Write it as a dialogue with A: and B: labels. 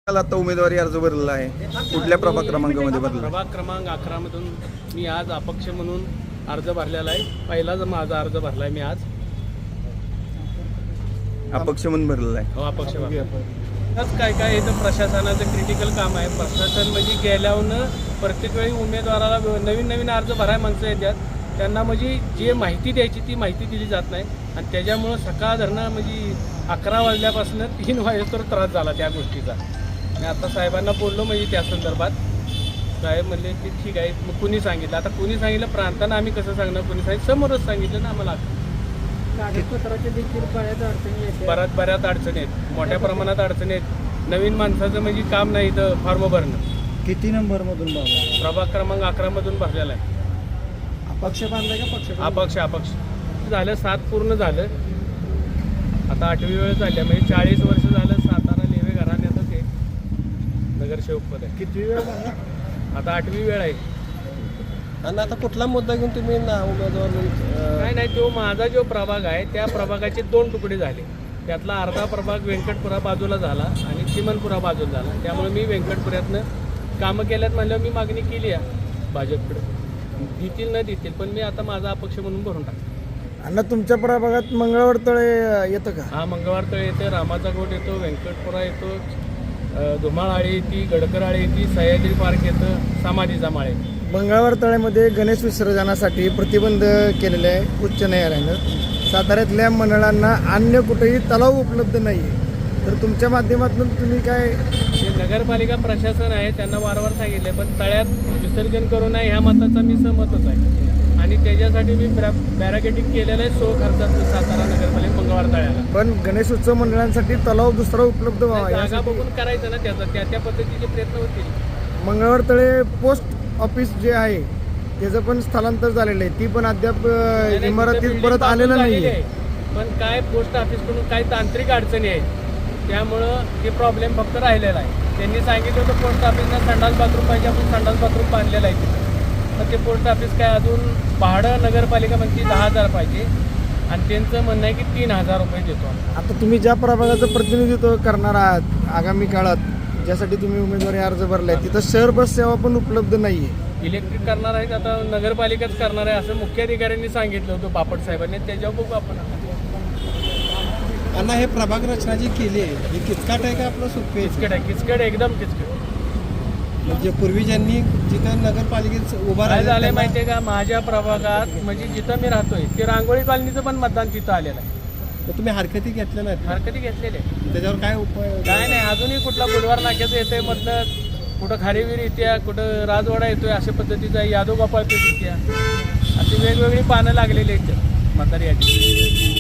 A: आता उमेदवारी अर्ज भरलेला आहे. कुठल्या प्रभाग क्रमांकामध्ये भरला?
B: प्रभाग क्रमांक 11 मधून मी आज अपक्ष म्हणून अर्ज भरलेला आहे. पहिलाच माझा अर्ज भरलाय मी आज.
A: अपक्ष म्हणून भरलेला आहे.
B: हो, अपक्ष भरला. काय इथं प्रशासनाचं क्रिटिकल काम आहे. प्रशासन म्हणजे गेल्यावर प्रत्येक वेळी उमेदवाराला नवीन अर्ज भरायला माणसं येतात. त्यांना म्हणजे जे माहिती द्यायची ती माहिती दिली जात नाही आणि त्याच्यामुळं सकाळ धरणं म्हणजे 11 वाजल्यापासून 3 वाजेस्तोवर त्रास झाला त्या गोष्टीचा. मी आता साहेबांना बोललो म्हणजे त्या संदर्भात. साहेब म्हणले की ठीक आहे. मग कुणी सांगितलं? आता कुणी सांगितलं प्रांतानं आम्ही कसं सांगणार? कुणी सांगितलं समोरच सांगितलं ना आम्हाला.
C: कागदपत्राच्या देखील
B: बऱ्याच अडचणी आहेत. मोठ्या प्रमाणात अडचणी आहेत. नवीन माणसाचं म्हणजे काम नाही इथं फॉर्म भरणं.
C: किती नंबरमधून भरला?
B: प्रभाग क्रमांक 11 मधून भरलेला आहे.
C: अपक्ष बांधलाय का पक्ष?
B: अपक्ष झालं. 7 पूर्ण झालं. आता 8वी वेळ झाली म्हणजे 40 वर्ष झालं सातारा लेवे घराण्याचं ते नगरसेवक पद आहे.
C: किती वेळ भरला?
B: आता 8वी वेळ आहे.
C: आणि आता कुठला मुद्दा घेऊन तुम्ही उमेदवार?
B: नाही तो माझा जो प्रभाग आहे त्या प्रभागाचे 2 तुकडे झाले. त्यातला अर्धा प्रभाग व्यंकटपुरा बाजूला झाला आणि चिमनपुरा बाजूला झाला. त्यामुळे मी व्यंकटपुऱ्यातनं कामं केल्यात म्हणल्यावर मी मागणी केली आहे भाजपकडे. देतील न देतील पण मी आता माझा अपक्ष म्हणून भरून टाकतो.
C: अण्णा तुमच्या प्रभागात मंगळवार तळे येतं का?
B: हा, मंगळवार तळे येते, रामाचा गोट येतो, व्यंकटपुरा येतो, धुमाळाळी येते, गडकराळी येते, सह्याद्री पार्क येतं, समाधीचा माळे.
C: मंगळवार तळ्यामध्ये गणेश विसर्जनासाठी प्रतिबंध केलेले आहे उच्च न्यायालयानं. साताऱ्यातल्या मंडळांना अन्य कुठेही तलाव उपलब्ध नाही आहे. तर तुमच्या माध्यमातून तुम्ही काय?
B: ते नगरपालिका प्रशासन आहे त्यांना वारंवार सांगितले पण तळ्यात विसर्जन करू नये ह्या मताचा मी सहमतच आहे आणि त्याच्यासाठी मी बॅरिकेडिंग केलेलं आहे 100 खर्चात सातारा नगरपालिका मंगळवार तळ्याला.
C: पण गणेश उत्सव मंडळांसाठी तलाव दुसरा उपलब्ध व्हावा
B: जागा बघून करायचं ना त्याचा त्या पद्धतीचे प्रयत्न होतील.
C: मंगळवार तळे पोस्ट ऑफिस जे आहे त्याचं पण स्थलांतर झालेलं आहे. ती पण अद्याप इमारतीत परत आलेलं नाही आहे.
B: पण काय पोस्ट ऑफिसकडून काही तांत्रिक अडचणी आहेत त्यामुळं ते प्रॉब्लेम फक्त राहिलेला आहे. त्यांनी सांगितलं होतं पोस्ट ऑफिसला संडास बाथरूम पाहिजे, आपण संडास बाथरूम बांधलेलं आहे तिथं. तर ते पोस्ट ऑफिस काय अजून भाडं नगरपालिका म्हणते 10,000 पाहिजे आणि त्यांचं म्हणणं आहे की 3,000 रुपये देतो.
C: आता तुम्ही ज्या प्रभागाचं प्रतिनिधित्व करणार आहात आगामी काळात ज्यासाठी तुम्ही उमेदवारी अर्ज भरलाय तिथं शहर बस सेवा पण उपलब्ध नाही आहे.
B: इलेक्ट्रिक करणार आहेत आता नगरपालिकाच करणार आहे असं मुख्याधिकाऱ्यांनी सांगितलं होतं बापट साहेबांनी. त्याच्यावर बघू आपण.
C: अण्णा हे प्रभाग रचना जी केली आहे ही किचकाट आहे का आपलं सोपे?
B: किचकट एकदम किचकट.
C: म्हणजे पूर्वी ज्यांनी जिथं नगरपालिकेत उभा
B: काय झालंय माहितीये का माझ्या प्रभागात म्हणजे जिथं मी राहतोय ते रांगोळी कॉलनीचं पण मतदान तिथं आलेलं आहे.
C: तुम्ही हरकती घेतल्या नाहीत?
B: हरकती घेतलेले.
C: त्याच्यावर काय उपाय?
B: काय नाही अजूनही कुठला बुधवार नाक्याचं येतोय मधलं, कुठं खारीवीर येते, कुठं राजवाडा येतोय अशा पद्धतीचा यादव गोपाळ पेठ येते. अशी वेगवेगळी पानं लागलेली आहेत मतदार यादी.